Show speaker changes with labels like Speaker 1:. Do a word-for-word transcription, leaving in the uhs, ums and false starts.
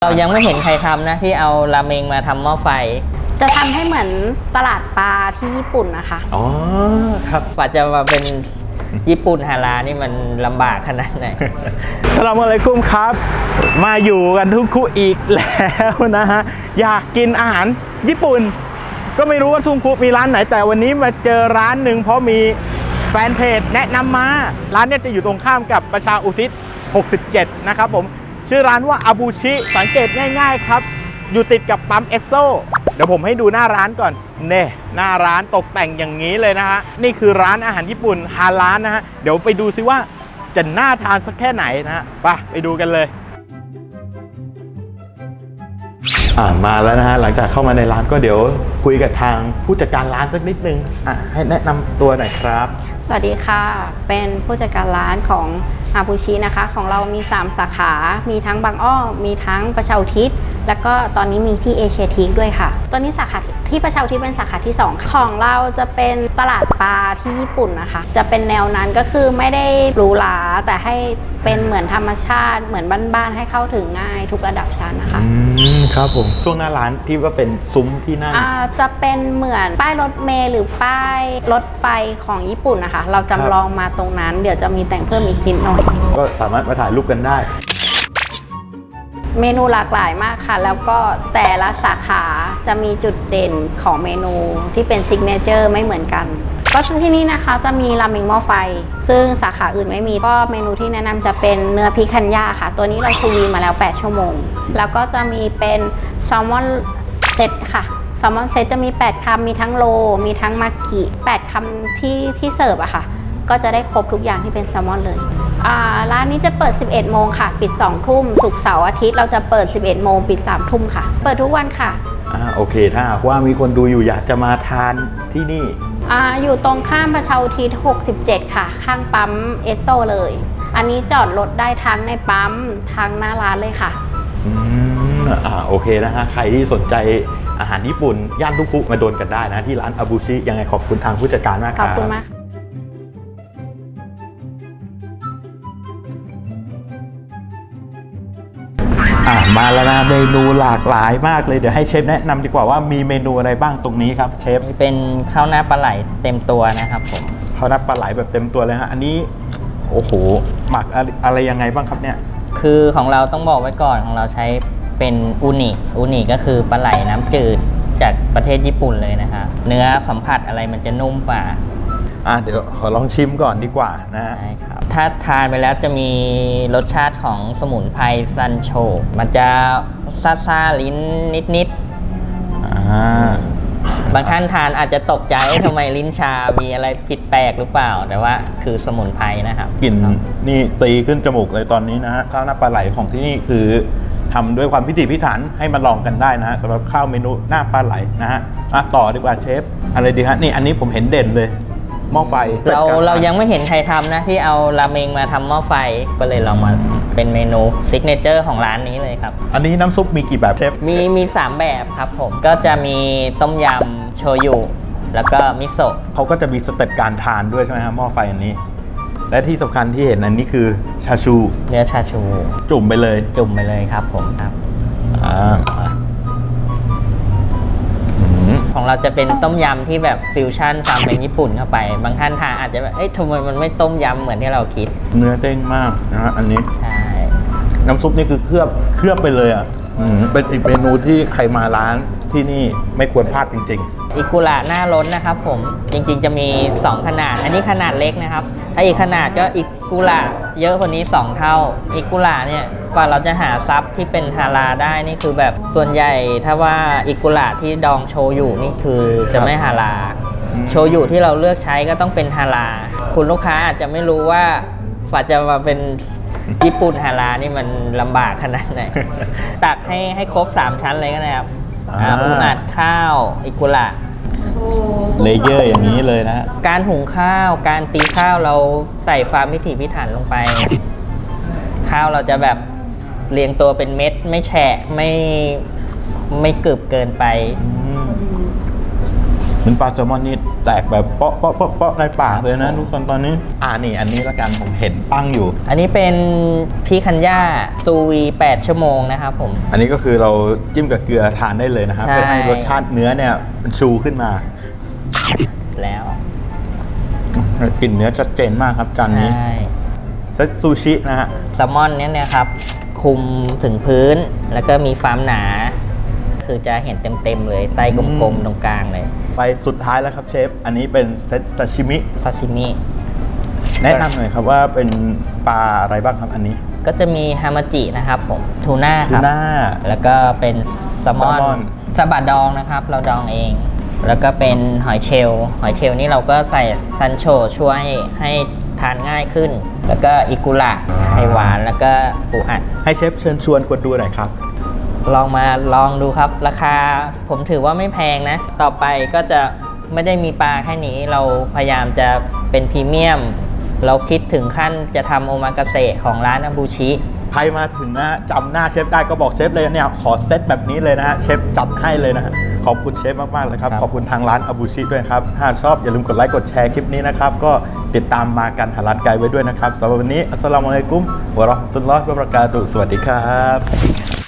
Speaker 1: เรายังไม่เห็นใครทำนะที่เอาราเมงมาทำหม้อไฟ
Speaker 2: จะทำให้เหมือนตลาดปลาที่ญี่ปุ่นนะคะ
Speaker 3: อ๋อครับ
Speaker 1: กว่าจะมาเป็นญี่ปุ่นฮาลาลนี่มันลำบากขนาดไหน
Speaker 3: สลามอะลัยกุมครับมาอยู่กันทุกคู่อีกแล้วนะฮะอยากกินอาหารญี่ปุ่นก็ไม่รู้ว่าทุ่งคุมีร้านไหนแต่วันนี้มาเจอร้านหนึ่งเพราะมีแฟนเพจแนะนำมาร้านนี้จะอยู่ตรงข้ามกับประชาอุทิศหกสิบเจ็ดนะครับผมชื่อร้านว่าอาบูชิสังเกตง่ายๆครับอยู่ติดกับปั๊มเอสโซเดี๋ยวผมให้ดูหน้าร้านก่อนเน่หน้าร้านตกแต่งอย่างนี้เลยนะฮะนี่คือร้านอาหารญี่ปุ่นฮาลาลนะฮะเดี๋ยวไปดูซิว่าจะน่าทานสักแค่ไหนนะฮะไปไปดูกันเลยอ่ามาแล้วนะฮะหลังจากเข้ามาในร้านก็เดี๋ยวคุยกับทางผู้จัดการร้านสักนิดนึงอ่ะให้แนะนำตัวหน่อยครับ
Speaker 2: สวัสดีค่ะเป็นผู้จัดการร้านของอาบูชินะคะของเรามีสามสาขามีทั้งบางอ้อมีทั้งประชาอุทิศแล้วก็ตอนนี้มีที่เอเชียทีคด้วยค่ะตอนนี้สาขาที่ประชาอุทิศเป็นสาขาที่สองของเราจะเป็นตลาดปลาที่ญี่ปุ่นนะคะจะเป็นแนวนั้นก็คือไม่ได้หรูหราแต่ให้เป็นเหมือนธรรมชาติเหมือนบ้านๆให้เข้าถึงง่ายทุกระดับชั้นนะคะ
Speaker 3: อืมครับผมช่วงหน้าร้านที่ว่าเป็นซุ้มที่นั่ง
Speaker 2: อ่าจะเป็นเหมือนป้ายรถเมล์หรือป้ายรถไฟของญี่ปุ่นนะคะเราจำลองมาตรงนั้นเดี๋ยวจะมีแต่งเพิ่มอีกนิดหน่อย
Speaker 3: ก็สามารถมาถ่ายรูปกันได้
Speaker 2: เมนูหลากหลายมากค่ะแล้วก็แต่ละสาขาจะมีจุดเด่นของเมนูที่เป็นซิกเนเจอร์ไม่เหมือนกันก็ที่นี่นะคะจะมีราเมงหม้อไฟซึ่งสาขาอื่นไม่มีก็เมนูที่แนะนำจะเป็นเนื้อพิคันย่าค่ะตัวนี้เราชูวีมาแล้วแปดชั่วโมงแล้วก็จะมีเป็นแซลมอนเซตค่ะแซลมอนเซตจะมีแปดคำมีทั้งโลมีทั้งมากิแปดคำที่ที่เสิร์ฟอะค่ะก็จะได้ครบทุกอย่างที่เป็นแซลมอนเลยร้านนี้จะเปิดสิบเอ็ดโมงค่ะปิดสองทุ่มศุกร์เสาร์อาทิตย์เราจะเปิดสิบเอ็ดโมงปิดสามทุ่มค่ะเปิดทุกวันค่ะ
Speaker 3: อ่าโอเคถ้าหากว่ามีคนดูอยู่อยากจะมาทานที่นี่
Speaker 2: อ่าอยู่ตรงข้ามประชาอุทิศหกสิบเจ็ดค่ะข้างปั๊มเอสโซเลยอันนี้จอดรถได้ทั้งในปั๊มทั้งหน้าร้านเลยค่ะ
Speaker 3: อืมอ่าโอเคนะฮะใครที่สนใจอาหารญี่ปุ่นย่านทุกคุมาโดนกันได้นะที่ร้านอาบูชิยังไงขอบคุณทางผู้จัดการมากครับ
Speaker 2: ขอบคุณมาก
Speaker 3: อ่ะมาแล้วนะเมนูหลากหลายมากเลยเดี๋ยวให้เชฟแนะนำดีกว่าว่ามีเมนูอะไรบ้างตรงนี้ครับเชฟ
Speaker 1: เป็นข้าวหน้าปลาไหลเต็มตัวนะครับผม
Speaker 3: ข้าวหน้าปลาไหลแบบเต็มตัวเลยฮะอันนี้โอ้โหหมักอะไรยังไงบ้างครับเนี่ย
Speaker 1: คือของเราต้องบอกไว้ก่อนของเราใช้เป็นอูนิอูนิก็คือปลาไหลน้ำจืดจากประเทศญี่ปุ่นเลยนะครับเนื้อสัมผัสอะไรมันจะนุ่มกว่า
Speaker 3: อ่ะเดี๋ยวขอลองชิมก่อนดีกว่านะฮะ
Speaker 1: ใช่ครับถ้าทานไปแล้วจะมีรสชาติของสมุนไพรซันโชมันจะซ่าๆลิ้นนิดๆอ่าบางท่านทานอาจจะตกใจทำไมลิ้นชามีอะไรผิดแปลกหรือเปล่าแต่ว่าคือสมุนไพรนะครับ
Speaker 3: กลิ่นนี่ตีขึ้นจมูกเลยตอนนี้นะฮะข้าวหน้าปลาไหลของที่นี่คือทำด้วยความพิถีพิถันให้มาลองกันได้นะฮะสำหรับข้าวเมนูหน้าปลาไหลนะฮะอ่ะต่อดีกว่าเชฟอะไรดีฮะนี่อันนี้ผมเห็นเด่นเลยหม้อไฟ
Speaker 1: เราเรายังไม่เห็นใครทำนะที่เอาราเมงมาทำหม้อไฟก็เลยลองมาเป็นเมนูซิกเนเจอร์ของร้านนี้เลยครับ
Speaker 3: อันนี้น้ำซุปมีกี่แบบเชฟ
Speaker 1: มีมีสามแบบครับผมก็จะมีต้มยำโชยุแล้วก็มิโซะ
Speaker 3: เขาก็จะมีสเต็ปการทานด้วยใช่ไหมครับหม้อไฟอันนี้และที่สำคัญที่เห็นอันนี้คือชาชู
Speaker 1: เนื้อชาชู
Speaker 3: จุ่มไปเลย
Speaker 1: จุ่มไปเลยครับผมครับ
Speaker 3: อ่า
Speaker 1: ของเราจะเป็นต้มยำที่แบบฟิวชั่นความเป็นญี่ปุ่นเข้าไปบางท่านทานอาจจะแบบเอ้ยทำไมมันไม่ต้มยำเหมือนที่เราคิด
Speaker 3: เนื้อเด้งมากนะฮะอันนี้
Speaker 1: ใช่
Speaker 3: น้ำซุปนี่คือเคลือบเคลือบไปเลยอ่ะเป็นอีกเมนูที่ใครมาร้านที่นี่ไม่ควรพลาดจริง
Speaker 1: ๆอิกุระหน้าล้นนะครับผมจริงๆจะมีสองขนาดอันนี้ขนาดเล็กนะครับถ้าอีกขนาดก็อิกุระเยอะกว่านี้สองเท่าอิกุระเนี่ยกว่าเราจะหาซับที่เป็นฮาลาได้นี่คือแบบส่วนใหญ่ถ้าว่าอิกุระที่ดองโชยุนี่คือจะไม่ฮาลาโชยุที่เราเลือกใช้ก็ต้องเป็นฮาลาคุณลูกค้าอาจจะไม่รู้ว่ากว่าจะมาเป็นญี่ปุ่นฮาลานี่มันลำบากขนาดไหนตักให้ให้ครบสามชั้นเลยก็ได้ครับอูอัดข้าวอิกุระ
Speaker 3: เลเยอร์อย่างนี้เลยนะ
Speaker 1: การหุงข้าวการตีข้าวเราใส่ความพิถีพิถันลงไปข้าวเราจะแบบเรียงตัวเป็นเม็ดไม่แฉะไม่ไม่กรึบเกินไป
Speaker 3: เหมือนปลาแซลมอนนี่แตกแบบเปาะเปาะเปาะเปาะในปากเลยนะทุกคนตอนนี้อ่านี่อันนี้ละกันผมเห็นตั้งอยู่
Speaker 1: อันนี้เป็นพี่คันย่าซูวีแปดชั่วโมงนะครับผม
Speaker 3: อันนี้ก็คือเราจิ้มกับเกลือทานได้เลยนะครับ
Speaker 1: ใช่
Speaker 3: เพื่อให้รสชาติเนื้อเนี่ยมันชูขึ้นมา
Speaker 1: แล้ว
Speaker 3: กลิ่นเนื้อชัดเจนมากครับจานนี้
Speaker 1: ใช่
Speaker 3: เซตซูชินะฮะ
Speaker 1: แซลมอนเนี่ยนะครับคุมถึงพื้นแล้วก็มีความหนา คือจะเห็นเต็มๆเลยไส้กลมๆตรงกลางเลย
Speaker 3: ไปสุดท้ายแล้วครับเชฟอันนี้เป็นเซตซาชิมิ
Speaker 1: ซาซิมิ
Speaker 3: แนะนำหน่อยครับว่าเป็นปลาอะไรบ้างครับอันนี้
Speaker 1: ก็จะมีฮามาจินะครับผมทูน่า
Speaker 3: ทู
Speaker 1: ครับ
Speaker 3: น่า
Speaker 1: แล้วก็เป็นแซลมอน
Speaker 3: แซลมอน
Speaker 1: ซาบะดองนะครับ เราดองเอง แล้วก็เป็นหอยเชลล์หอยเชลล์นี่เราก็ใส่ซันโชช่วยให้ทานง่ายขึ้น แล้วก็อิกุระไข่หวานแล้วก็ปูอัด
Speaker 3: ให้เชฟเชิญชวนคนดูหน่อยครับ
Speaker 1: ลองมาลองดูครับ ราคาผมถือว่าไม่แพงนะ ต่อไปก็จะไม่ได้มีปลาแค่นี้ เราพยายามจะเป็นพรีเมียม เราคิดถึงขั้นจะทำโอมากาเสะของร้านอาบูชิ
Speaker 3: ใครมาถึงนะจำหน้าเชฟได้ก็บอกเชฟเลยเนี่ยขอเซตแบบนี้เลยนะฮะเชฟจัดให้เลยนะฮะขอบคุณเชฟมากๆเลยครับ
Speaker 1: ครับ
Speaker 3: ขอบคุณทางร้านอาบูชิด้วยครับถ้าชอบอย่าลืมกดไลค์กดแชร์คลิปนี้นะครับก็ติดตามมากันหาร้านไกลไว้ด้วยนะครับสำหรับวันนี้อัสสลามุอะลัยกุมวะเราะห์มะตุลลอฮิวะบะเราะกาตุฮ์สวัสดีครับ